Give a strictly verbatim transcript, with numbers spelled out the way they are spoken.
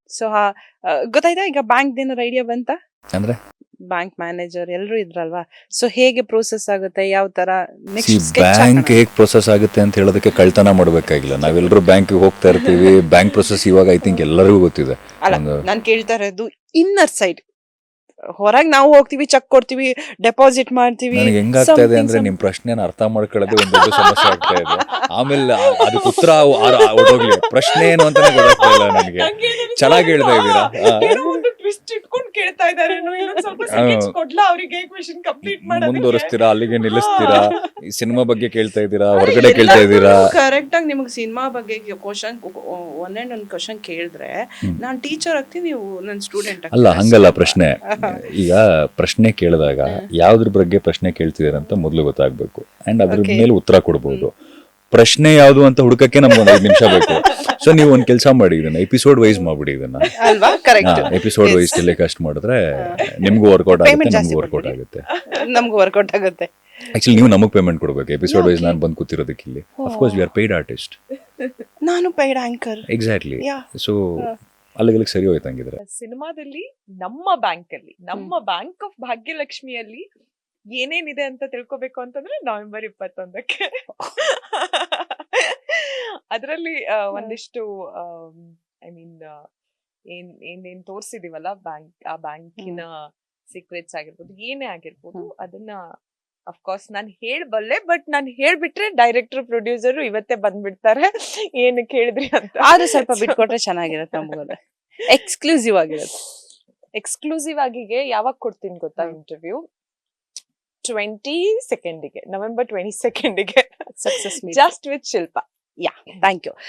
So ಗೊತ್ತಾಯ್ತಾ ಈಗ bank ಏನಾರ ಐಡಿಯಾ ಬಂತ? ಅಂದ್ರೆ ಬ್ಯಾಂಕ್ ಮ್ಯಾನೇಜರ್ ಎಲ್ಲರೂ ಇದ್ರಲ್ವಾ, ಸೊ ಹೇಗೆ ಪ್ರೋಸೆಸ್ ಆಗುತ್ತೆ, ಯಾವ ತರ ಬ್ಯಾಂಕ್ ಹೇಗ್ ಪ್ರೊಸೆಸ್ ಆಗುತ್ತೆ ಅಂತ ಹೇಳೋದಕ್ಕೆ ಕಳ್ತನ ಮಾಡ್ಬೇಕಾಗಿಲ್ಲ. ನಾವೆಲ್ಲರೂ ಬ್ಯಾಂಕ್ ಹೋಗ್ತಾ ಇರ್ತೀವಿ. ಬ್ಯಾಂಕ್ ಪ್ರೊಸೆಸ್ ಇವಾಗ ಐ ಥಿಂಕ್ ಎಲ್ಲರಿಗೂ ಗೊತ್ತಿದೆ. ಅಲ್ಲ, ನಾನು ಕೇಳ್ತಾ ಇರೋದು ಇನ್ನರ್ ಸೈಡ್. ಹೊರಗೆ ನಾವು ಹೋಗ್ತೀವಿ, ಚೆಕ್ ಕೊಡ್ತೀವಿ, ಡೆಪಾಸಿಟ್ ಮಾಡ್ತೀವಿ. ನನಗೆ ಹೆಂಗಾಗ್ತಾ ಇದೆ ಅಂದ್ರೆ ನಿಮ್ ಪ್ರಶ್ನೆನ ಅರ್ಥ ಮಾಡ್ಕೊಳ್ಳೋದೇ ಒಂದು ದೊಡ್ಡ ಸಮಸ್ಯೆ ಆಗ್ತಾ ಇದೆ. ಆಮೇಲೆ ಅದಕ್ಕೆ ಉತ್ತರ ಹೊರಟೋಗ್ಲಿ. ಪ್ರಶ್ನೆ ಏನು ಅಂತಾನೆ ಗೊತ್ತಾಗ್ತಾ ಇಲ್ಲ ನನಗೆ. ಚೆನ್ನಾಗಿ ಹೇಳ್ತಾ ಇದ್ದೀರಾ. ಮುಂದುವರಿಸ್ತೀರಾ, ಅಲ್ಲಿಗೆ ನಿಲ್ಲಿಸ್ತೀರಾ, ಈ ಸಿನಿಮಾ ಬಗ್ಗೆ ಕೇಳ್ತಾ ಇದ್ದೀರಾ, ಹೊರಗಡೆ ಕೇಳ್ತಾ ಇದ್ದೀರಾ. ಕರೆಕ್ಟ್ ಆಗಿ ನಿಮ್ಗೆ ಸಿನಿಮಾ ಬಗ್ಗೆ ಕ್ವಶನ್ ಒಂದೇ ಒಂದು ಕ್ವಶನ್ ಕೇಳಿದ್ರೆ ನಾನು ಟೀಚರ್ ಆಗ್ತೀನಿ, ನೀವು ನನ್ನ ಸ್ಟೂಡೆಂಟ್. ಅಲ್ಲ, ಹಂಗಲ್ಲ ಪ್ರಶ್ನೆ. ಈಗ ಪ್ರಶ್ನೆ ಕೇಳಿದಾಗ ಯಾವ್ದ್ರ ಬಗ್ಗೆ ಪ್ರಶ್ನೆ ಕೇಳ್ತಿದಾರೆ ಅಂತ ಮೊದಲು ಗೊತ್ತಾಗ್ಬೇಕು. ಅಂಡ್ ಅದ್ರ ಮೇಲೆ ಉತ್ತರ ಕೊಡ್ಬೋದು. ಪ್ರಶ್ನೆ ಯಾವ್ದು ಅಂತ ಹುಡುಕಕ್ಕೆ ನಮ್ಗೆ ಒಂದ್ ಐದು ನಿಮಿಷ ಬೇಕು. ಸೊ ನೀವು ಒಂದ್ ಕೆಲಸ ಮಾಡಿ, ಇದನ್ನ ಎಪಿಸೋಡ್ ವೈಸ್ ಮಾಡ್ಬಿಡಿ. ಇದನ್ನ ಎಪಿಸೋಡ್ ವೈಸ್ ಟೆಲಿಕಾಸ್ಟ್ ಮಾಡಿದ್ರೆ ನಿಮ್ಗೂ ವರ್ಕೌಟ್ ಆಗುತ್ತೆ, ನಮ್ಗೂ ವರ್ಕೌಟ್ ಆಗುತ್ತೆ. ನಮ್ಗೂ ವರ್ಕೌಟ್ ಆಗುತ್ತೆ. ಆಕ್ಚುಲಿ ನೀವು ನಮಗ್ ಪೇಮೆಂಟ್ ಕೊಡ್ಬೇಕು ಎಪಿಸೋಡ್ ವೈಸ್. ನಾನು ಬಂದು ಕೂತಿರೋದಕ್ಕೆ ಇಲ್ಲಿ. Of course we are paid artist. ನಾನು ಪೇಯ್ಡ್ ಆಂಕರ್. ಎಕ್ಸಾಕ್ಟ್ಲಿ. ಸೊ ಅಲ್ಲಿಗೆ ಸರಿ ಹೋಯ್ತು. ಹಂಗಿದ್ರೆ ಸಿನಿಮಾದಲ್ಲಿ ನಮ್ಮ ಬ್ಯಾಂಕ್ ಅಲ್ಲಿ, ನಮ್ಮ ಬ್ಯಾಂಕ್ ಆಫ್ ಭಾಗ್ಯಲಕ್ಷ್ಮಿಯಲ್ಲಿ ಏನೇನಿದೆ ಅಂತ ತಿಳ್ಕೊಬೇಕು ಅಂತಂದ್ರೆ ನವೆಂಬರ್ ಇಪ್ಪತ್ತೊಂದಕ್ಕೆ ಅದರಲ್ಲಿ ಒಂದಿಷ್ಟು ಐ ಮೀನ್ ಏನ್ ಏನೇನ್ ತೋರ್ಸಿದೀವಲ್ಲ ಬ್ಯಾಂಕ್, ಆ ಬ್ಯಾಂಕಿನ ಸೀಕ್ರೆಟ್ಸ್ ಆಗಿರ್ಬೋದು, ಏನೇ ಆಗಿರ್ಬೋದು, ಅದನ್ನ ಅಫ್ಕೋರ್ಸ್ ನಾನು ಹೇಳ್ಬಲ್ಲೆ. ಬಟ್ ನಾನು ಹೇಳ್ಬಿಟ್ರೆ ಡೈರೆಕ್ಟರ್ ಪ್ರೊಡ್ಯೂಸರ್ ಇವತ್ತೇ ಬಂದ್ಬಿಡ್ತಾರೆ ಏನು ಕೇಳಿದ್ರಿ ಅಂತ. ಆದ್ರೆ ಸ್ವಲ್ಪ ಬಿಟ್ಕೊಟ್ರೆ ಚೆನ್ನಾಗಿರುತ್ತೆ. ನಮಗೋದ್ರೆ ಎಕ್ಸ್ಕ್ಲೂಸಿವ್ ಆಗಿರುತ್ತೆ. ಎಕ್ಸ್ಕ್ಲೂಸಿವ್ ಆಗಿಗೆ ಯಾವಾಗ ಕೊಡ್ತೀನಿ ಗೊತ್ತಾ ಇಂಟರ್ವ್ಯೂ? ಟ್ವೆಂಟಿ ಸೆಕೆಂಡಿಗೆ, ನವೆಂಬರ್ ಟ್ವೆಂಟಿ ಸೆಕೆಂಡಿಗೆ, success just with Shilpa. Yeah, thank you.